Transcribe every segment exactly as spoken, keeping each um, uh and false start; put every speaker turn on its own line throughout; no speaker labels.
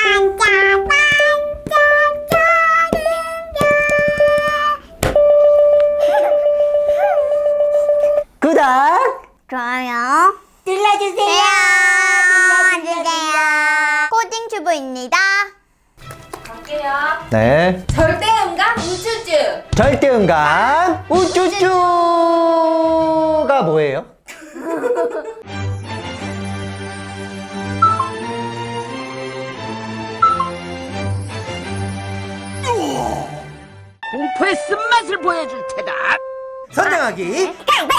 구독,
좋아요
눌러주세요.
눌러주세요. 코딩튜브입니다.
갈게요.
네,
절대음감 우쭈쭈.
절대음감 우쭈쭈가 뭐예요?
공포의 쓴맛을 보여줄 테다.
선정하기.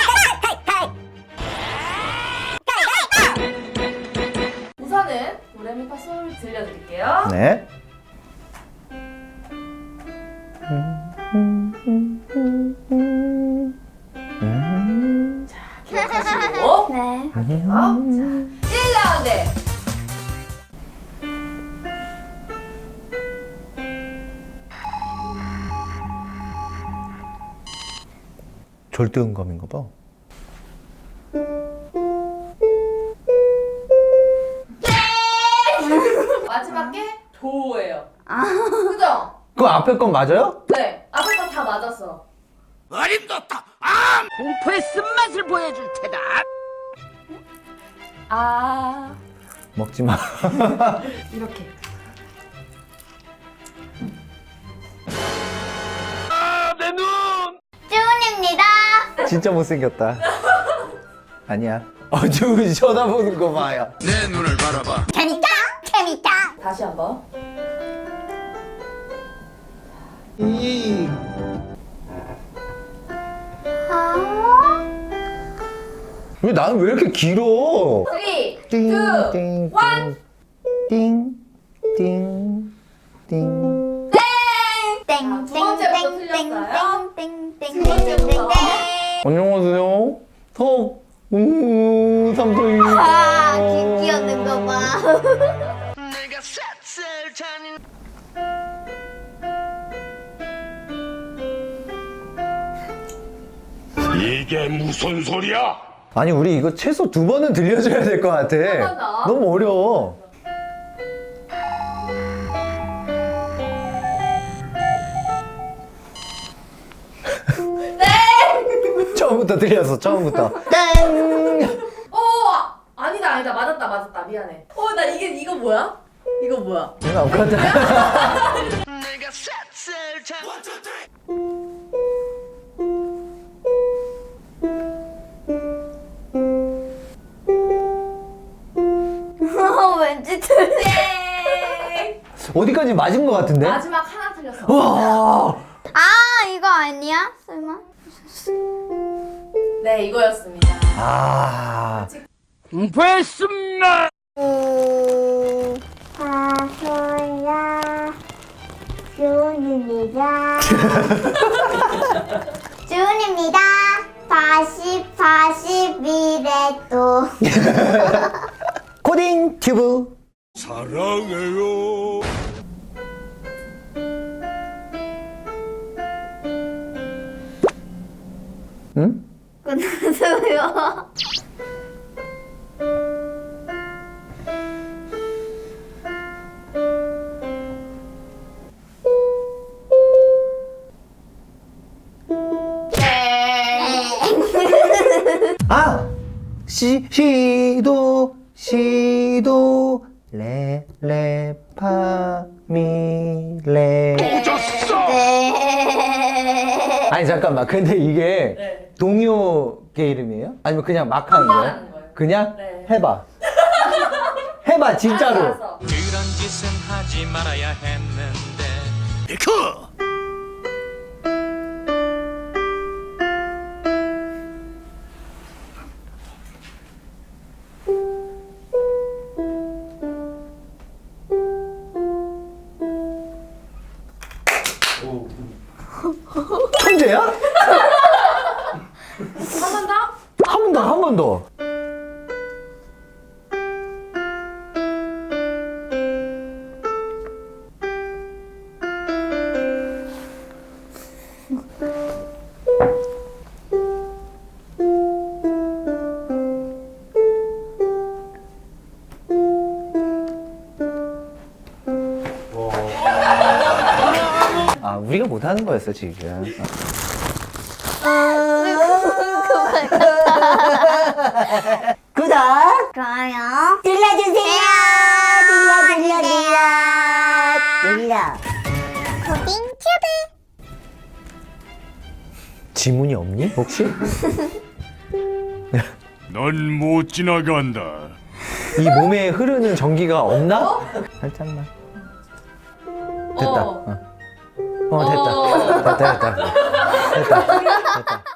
우선은 도레미파솔 들려드릴게요.
네.
기억하시고
네.
갈게요. 자, 일 라운드.
절대음감인가 봐.
마지막 게 도예요. 그죠?
그 앞에 건 맞아요?
네. 앞에 건 다 맞았어.
어림도다. 아! 공포의 쓴맛을 보여줄 테다.
아.
먹지 마.
이렇게.
아, 내 눈.
쭈은입니다.
진짜 못생겼다. 아니야. 어쭈 쳐다보는 거 봐요.
내 눈을 바라봐.
재밌다. 재밌다.
다시 한번.
왜 나는 왜 이렇게 길어?
삼, 이,
띵,
일.
띵, 띵, 띵, 띵.
땡.
두 번째부터 틀렸어요.
땡땡땡땡땡땡땡땡.
두 번째부터.
안녕하세요. 턱, 음, 삼촌이.
아, 귀 끼얹는 거 봐.
내가 샅쓸 자는 이게 무슨 소리야?
아니, 우리 이거 최소 두 번은 들려줘야 될 것 같아.
번 더.
너무 어려워.
네.
처음부터 들렸어, 처음부터. 땡!
어, 아니다, 아니다. 맞았다, 맞았다. 미안해. 어, 나 이게, 이거 뭐야? 이거 뭐야?
이거 없거든.
내가 샅쓸 자는
왠지 틀려.
네.
어디까지 맞은 것 같은데?
마지막 하나 틀렸어.
와!
아, 이거 아니야? 설마?
네, 이거였습니다.
아.
공포의 쓴맛.
오. 파솔라. 쭈은입니다. 쭈은입니다. 파십, 파십, 미래도.
코딩 튜브.
사랑해요.
응?
끝났어요.
아! 시, 시도, 시도, 레, 레, 파, 미, 레.
졌어.
네.
아니, 잠깐만. 근데 이게
네.
동요계 이름이에요? 아니면 그냥 막 하는 거예요?
하는 거예요.
그냥?
네.
해봐. 해봐, 진짜로.
알았어.
그런 짓은 하지 말아야 했는데
비크.
천재야?
한 번 더?
한 번 더, 한 번 더. 아 우리가 못하는 거였어 지금. 구독
좋아요.
눌러주세요. 눌러 눌러 눌러 눌러.
고딩 튜브.
지문이 없니 혹시?
넌 못 지나간다.
이 몸에 흐르는 전기가 없나? 살짝만. 됐다.
어.
어, 어 됐다. 됐다 됐다. 됐다. 됐다.